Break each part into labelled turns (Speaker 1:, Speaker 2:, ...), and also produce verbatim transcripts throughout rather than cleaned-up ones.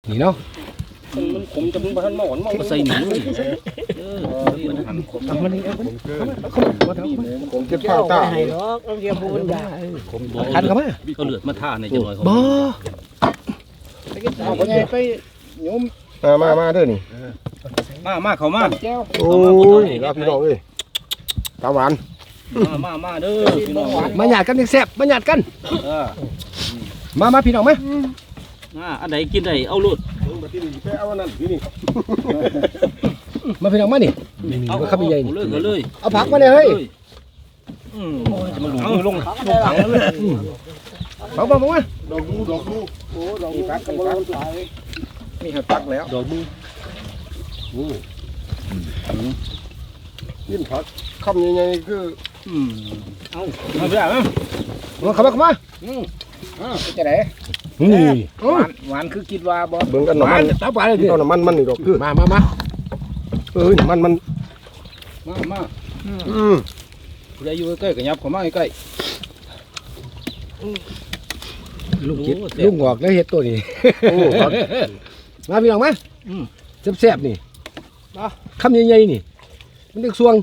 Speaker 1: นี่เนาะ
Speaker 2: มันขมจะมึงบ้านหมอนมองมาใส่หนูเออมันหันขมมันนี่ขมเกินขมเก็บข้าวตาให้หรอกเอาเดี๋ยวมันด่าขมคันเข้ามาเขาเลือดมาท่าในจังหน่อยเขาบ่เอาไปไงไปโยมมามามาเด้อนี่มามาเขามาโอ้ยรับพี่น้องเอ้ยตาหวานมามามาเด้อพี่น้องมาหยาดกันแซ่บมาหยาดกันมามาพี่น้องมาอ่าอันไหนกินได้เอาลุดไปเอาอันนั้นพี่นี่มาพี่น้องมานี่เอาข้าวใหญ่นี่เลยเลยเอาผักมาเลยเฮ้ยอืมจะมาหลุมลงลงถังเลยเอามามาดอกดูดอกดูโอ้ดอกมีผักกับผักมีหัวผักแล้วดอกดูโอ้กินผักคำใหญ่ๆคืออืมเอามาพี่อ่ะมาเข้ามาเข้ามาอืมอ่าจะไหนนี่หวานหวานคือคิดว่าบ่เบิ่งกันน้ำมันตับหวานเลยดิเอาน้ำมันมันนี่ดอกคือมามามาเอ้ยน้ำมันมันมามาอืมผู้ใดอยู่ใกล้ๆก็ยับเข้ามาใกล้ลูกคิดลูกงอกแล้วเห็ดตัวนี้มาพี่น้องมาแซ่บๆนี่คำใหญ่ๆนี่มันเด็กสวง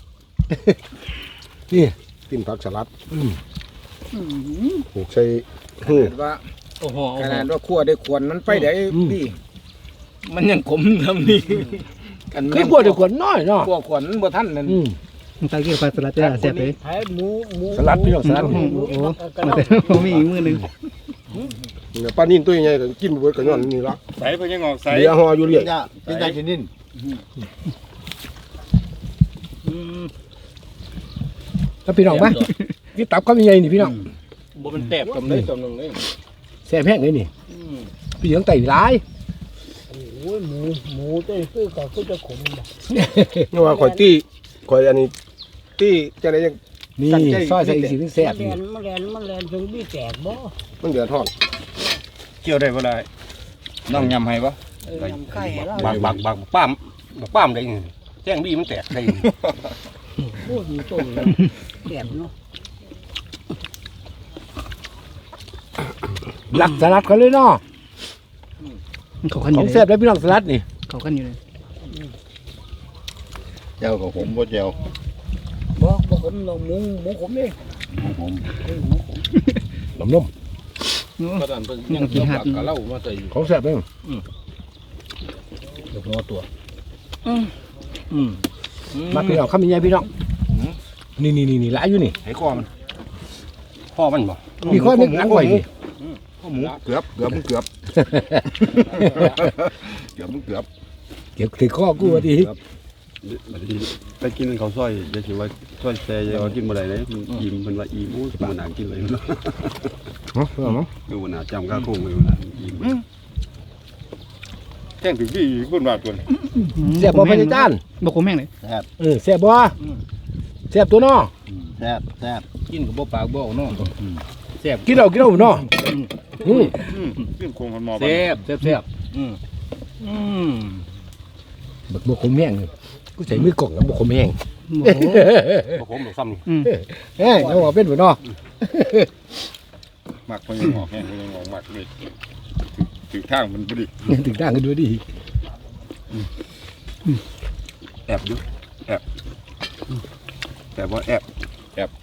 Speaker 2: นี่กินผักสลัดปลูกใส่ว่าขนาดว่าขั้วได้ขวนมันไปได้พี่มันยังขมทำนี่กันไม่ขั้วได้ขวนน้อยเนาะขั้วขวนมันบ่ทันนั่น
Speaker 3: ตาเกี่ยวกับสลัดจะเสียบเลย
Speaker 1: สลัดพี่น้องสลัดโอ้
Speaker 3: โหผมมีอีกมือหนึ่ง
Speaker 1: เนี่ยปลานิ่นตัวใหญ่ก็กินบ่เบิดก็ย้อนนี่ละ
Speaker 2: ใส่ไปยังออกใส่
Speaker 1: เดี๋ยวห่ออยู่เรื่อย
Speaker 2: เป็นใจกินนิ่น
Speaker 1: ถ้าพี่น้องมาพี่ตับคำใหญ่นี่พี่น้อง
Speaker 2: บ่มันแตบจำได้จำนึงเลย
Speaker 1: แซ่บแห้งเลยนี่พี่เหลืองไต่ร้าย
Speaker 3: โอ้ยหมูหมูเจ้าคือก็คือจะขมบ่
Speaker 1: นี่ว่าข่อยตี้ข่อยอันนี้ตี้จะได้ยังนี่ซอยใส่อีกสิ่งแซ่บนี่
Speaker 3: มันแลนมันแลนถึงบี้แตกบ่
Speaker 1: มันเดือดทอด
Speaker 2: เกี่ยวได้บ่ได้น้องยำให้บ่บักบักบักป้ามบักป้ามได้แจ้งบี้มันแตกได้
Speaker 3: โอ้ยมีต้มแตกเนาะ
Speaker 1: หลักสลัดเขาเลยเนาะ
Speaker 3: เขากันอยู่
Speaker 1: ของแซ่บแล้วพี่น้องสลัดนี่
Speaker 3: เขากันอยู่เลย
Speaker 2: เจ้ากับผมบ่เจ้า
Speaker 3: บ่บ่ผมลงหมูหมูผมเอง
Speaker 2: ผม
Speaker 1: ล้มล้ม
Speaker 2: กระดานเพิ่งยังกินหักกะเล่ามาใส่
Speaker 1: ของแซ่บเอง
Speaker 2: เดี๋ยวงอตัว
Speaker 1: มาพี่น้องข้ามีไงพี่น้องนี่นี่นี่นี่หลายอยู่นี่
Speaker 2: ให้คอมันคอมันบ่
Speaker 1: มีข้อนึกหลังไว้นี่
Speaker 2: ข้อหมูเกือบเกือบมึงเกือบเกือบมึงเกือบ
Speaker 1: เก็บถือข้อกูว่าดี
Speaker 2: ไปกินเขาซอยจะถือว่าซอยแซ่จะกินบ่ได้เลยอิ่มมันว่าอิ่มโอ้ยมันน่ากินเลยเนาะ
Speaker 1: เนาะเนาะ
Speaker 2: ดูน่าจำข้าวโค้งเลยน่าอิ่มแท่งถึงที่คนบาดตัว
Speaker 1: แซ่บบ่พญาจาน
Speaker 3: บ่ขมแห้งเลย
Speaker 2: แซ่บ
Speaker 1: เออแซ่บบ่แซ่บตัวเนาะ
Speaker 2: แซ่บแซ่บกินกับบ่ปากบ่เนาะ
Speaker 1: แซ่บกินเอากินเอาเนาะอืม
Speaker 2: กินโค้งคนหมอแซ่บแซ่บแซ่บอืมอืม
Speaker 1: บักบ่ขมแห้งกูใส่มือกล่องแล้วบ่ขมแห้ง
Speaker 2: บ่ขมหรอกซ้ำนี่
Speaker 1: เฮ้ยเอาว่าเป็นบ่เนาะ
Speaker 2: มักเพิ่นยังออกแห้งเพิ่นยังออกมักเลยถึงทางมันบ่ดี
Speaker 1: ถึงทางกันด้วยดี
Speaker 2: แอบอยู่แอบแต่ว่าแอบแอบ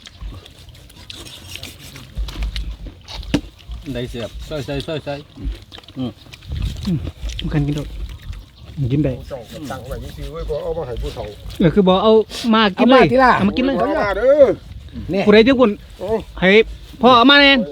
Speaker 2: ได้เสียบใส่ใส่ใส่ใส่อืม
Speaker 3: มันกันกินโดดกินได้
Speaker 1: สั่งไว้ซื้อไว้ก็เอามาให้ผู้เฒ่า
Speaker 3: เออคือบอกเอามากินเลยเอามากินเลยผู้ใดที่คุณให้พ่อเอามาเนี่ย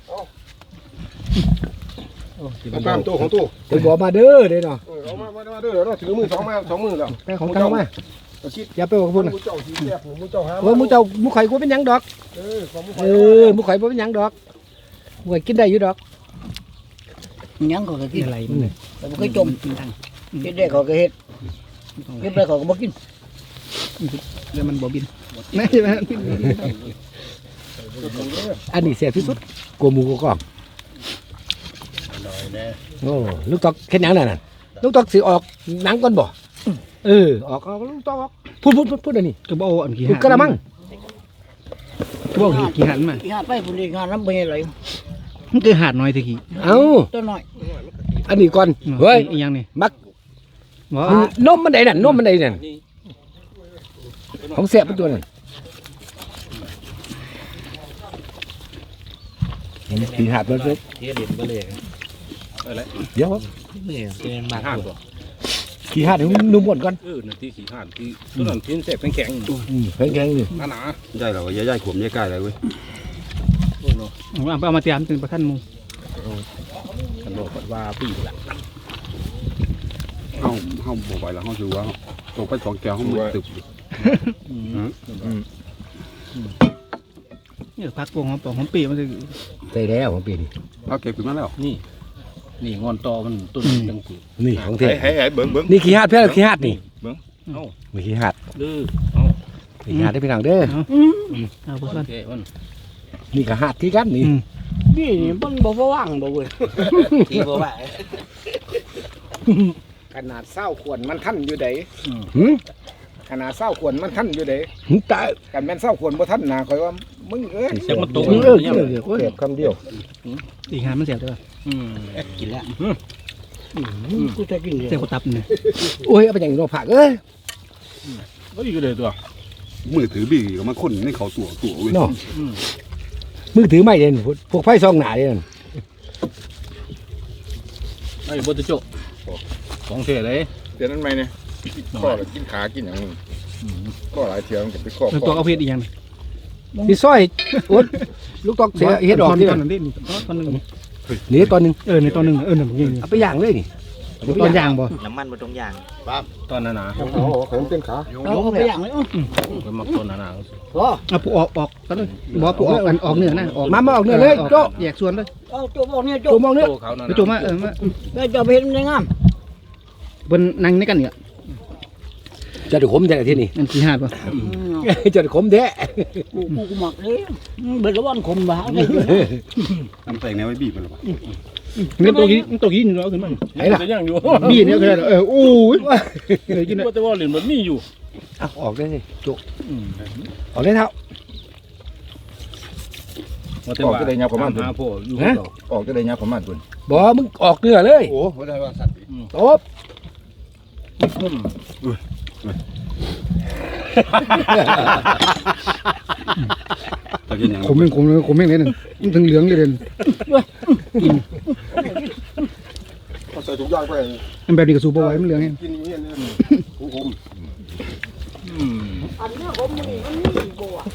Speaker 1: เอาตามตัวของตู้เดี๋ยวบอกมาเด้อเด้เนาะเอามามาเด้อเราถือมือสองมาสองมือแล้วไปของเก่ามาอย่าไปบอกพูดนะเออมูเจ้ามูไข่กูเป็นยังดอกเออมูไข่กูเป็นยังดอกมูไข่กินได้อยู่ดอก
Speaker 3: ยังก็กินอะไรมันเลยแต่มันก็จมกินทางกินได้เขาก็เฮ็ดกินได้เขาก็บ่กินเดี๋ยวมันบ่บินไม่ใช่ไหม
Speaker 1: อันนี้เสียที่สุดกลัวหมูกรอบโอ้ลูกตอกแค่หนังนั่นน่ะลูกตอกสิออกหนังก่อนบ่เออออกเอาลูกตอกพูดพูดพูดพูดอันนี้
Speaker 3: ก็บ่เอาอันกี่หัน
Speaker 1: กระมัง
Speaker 3: ก็บ่กี่หันมากี่หันไปพุ่นอีกหันน้ำบ่ใหญ่เลยมันคือหาดน้อยตะกี้
Speaker 1: เอ้า
Speaker 3: ตัวน้อย
Speaker 1: อันนี้ก่อนเฮ้ย
Speaker 3: อีหยังนี่
Speaker 1: มัก
Speaker 3: บ่
Speaker 1: นมมันใดนั่นนมมันใดนั่นของแซ่บเป็นตัวนั่นขี่หาดมันเลย
Speaker 2: เทียเด่นก็เลยอะไร
Speaker 1: เดี๋ยวครับ
Speaker 2: เนี่ยเป็นมาห้างตัว
Speaker 1: ขี่หาดให้มันนุ่มหมดก่อน
Speaker 2: เออนาทีขี่ห้างที่ตัวนั้นทิ้นเสร็จแข็ง
Speaker 1: อืมแข็งๆนี่
Speaker 2: หนาหนา
Speaker 4: ใช่เหรอใหญ่ๆขมใหญ่ใกล้เลยเว้ย
Speaker 3: เอาเอามาเตรียมถึงประคันหมู่
Speaker 2: ขนมว่าปีละ
Speaker 4: เฮาเฮาบ่ไหวแล้วเฮาสิว่าตกไปสองแก้วเฮามือตึบ
Speaker 3: นี่พักปวงหอมปองหอมปีมันสิ
Speaker 1: ใส่แล้วของปีนี้
Speaker 4: เอาเก็บขึ้นมาแล้ว
Speaker 2: นี่นี่งอนตอมันต้นจังสี
Speaker 1: นี่ของเท่
Speaker 4: ให้ให้เบิ่งเบิ่ง
Speaker 1: นี่ขี้หาดเพื่อนขี้หาดนี่
Speaker 2: เอ้า
Speaker 1: มีขี้หาด
Speaker 2: ดื้อเอ้า
Speaker 1: มีขี้หาดได้พี่น้องเด้อ
Speaker 3: เอาบ่
Speaker 2: โอ
Speaker 3: ซั่น
Speaker 2: เคมัน
Speaker 1: นี่ก็หาดที่กันนี่
Speaker 3: นี่มันบ่ว่างบ่เว้ย
Speaker 2: ที่บ่ไหว
Speaker 5: ขนาดเศร้าขวนมันท่านอยู่ได
Speaker 1: หืม
Speaker 5: ขนาดเศร้าขวนมันท่านอยู่ได
Speaker 1: หืมตาย
Speaker 5: กันแม่นเศร้าขวนบ่ท่านนะคอยว่ามึงเอ้ย
Speaker 2: เสียงมันตก
Speaker 1: เออเออเออโอ้ย
Speaker 4: เก็บคำเดียว
Speaker 3: อีหามันเสียบได้ป่ะ
Speaker 2: อืม
Speaker 3: กินแล้วกูจะกินเสียบตับนี่
Speaker 1: โอ้ยเอาไปอย่างนี้เราผักเอ้ย
Speaker 2: ก็อยู่เลยตัว
Speaker 4: มือถือบี้ก็มาคนในเขาตัวตัวเว้ย
Speaker 1: เนาะมือถือไม่เด่นพวกไฟซองหนาเด่น
Speaker 2: ไอ้บดโจของเสียเลย
Speaker 5: เดี๋ยวนั้นไหมเนี่ยข้อแล้วกินขากินอย่างนึงข้อหลายเที่ยวมันก็ไปข้อ
Speaker 3: แล้วตัวเอาเพชรอีหยังนี่
Speaker 1: พี่ซอยโอ๊ยลูกตอกเสียเฮ็ดออกที่
Speaker 3: ต
Speaker 1: นั่
Speaker 3: อน
Speaker 1: น
Speaker 3: นั้นดิตอนนึง
Speaker 1: นี่ตอนหนึง
Speaker 3: เออในตอนนึงเออนั่นนี่
Speaker 1: เอาไปย่างเลยนี่
Speaker 3: ตอนย่างบ่
Speaker 6: น้ำมันบนตรงยาง
Speaker 2: ตอนนั้นนะ
Speaker 5: โอ้โหขนมเป็นขา
Speaker 3: เอาไปย่างเลย
Speaker 2: ไปมักต้นนั้นนะ
Speaker 3: เอาปูออกออกตอนนึงบ่ปูออกอันออกเนื้อนะออก
Speaker 1: มามาออกเนื้อเลยโจ๊ะ
Speaker 3: แยกส่วนเลย
Speaker 7: เอาโจมออกเนี่ยโจ
Speaker 1: โจ๊ะมองเนื้อ
Speaker 2: โตเขานั่น
Speaker 3: ไปจุ่มมาเออมา
Speaker 7: แม่จะไปเห็นในงาม
Speaker 3: เพิ่นนั่งในกันนี่
Speaker 1: จะได้ขมแท้ที่นี่
Speaker 3: นั่นสิหาดบ่
Speaker 1: จะได้ขมแท้
Speaker 7: กูกูกูหมักเลยเบิดละวันคมบ้าเลย
Speaker 4: ทำแต่งแนวไว้บีบมันหรอวะ
Speaker 3: นี่ตัวกี้ตัวกี้นี่เราขึ้นมา
Speaker 1: ไหนล่ะ
Speaker 2: ยังอยู่
Speaker 3: บี้เนี่ยก็ได้เออโอ้ยเลยกิน
Speaker 2: ว่าแต่ว่าเหรียญมันมีอยู่
Speaker 1: เอาออกได้สิโจ๊ะออกได้เท่า
Speaker 2: ว่าแต่ว่าหาพ่ออยู่เรา
Speaker 5: ออกจะได้ยาประมาณตัว
Speaker 1: บ่มึงออกเนื้อเลย
Speaker 5: โอ้บ่ได้ว่าสัตว์
Speaker 1: โต๊บ
Speaker 4: ตะกินอย่าง
Speaker 3: ขมแม่งขมเลยขมแม่งเลยนั่นมันถึงเหลืองเลยเด่น
Speaker 5: เอาใส่ถุงยางไป
Speaker 3: มันแบบนี้ก็สูบบ่ไหวมันเหลืองไง
Speaker 5: กินอย่างเงี้ยเนี่ยผมผม
Speaker 7: อันนี้ผมนี่มันนี่บัว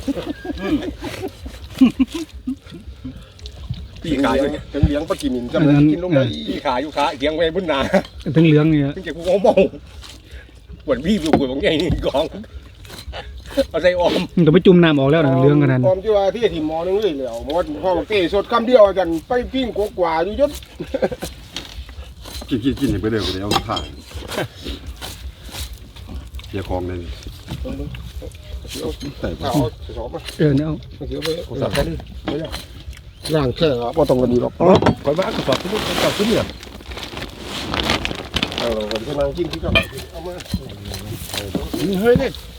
Speaker 5: ปีขาอยู่ถึงเลี้ยงปลากินจำได้กินลงไปปีขาอยู่ขาเลี้ยงไว้บนหนา
Speaker 3: ถึงเหลืองนี่
Speaker 5: ถึงเก็บกูเอาเมาปวดพี่อยู่ปวดของใหญ่นี่กองเอาใส่ออม
Speaker 3: มันต้องไปจุ่มน้ำออกแล้วนะเหลืองขนาด
Speaker 5: ออมที่ว่าที่ที่หมอนึงเลยแล้วหมอพ่อเก้สดคำเดียวจันไปปิ้งกว่าอยู่ยศ
Speaker 4: กินกินกินให้ไปเร็วเดี๋ยวถ่ายอย่าคลองเลยแต่
Speaker 5: เอาสอบมา
Speaker 3: เออเนี่ยเอา
Speaker 5: เดี๋ยวไปสับกันดิล่างแค่ครับว่าตรงกันดีหรอก
Speaker 1: ก่อนมากระสอบขึ้นกระสอบขึ้นเนี่ย
Speaker 5: เออวันที่นั่งกินที่ก็เอามา
Speaker 1: เฮ้ยเนี่ย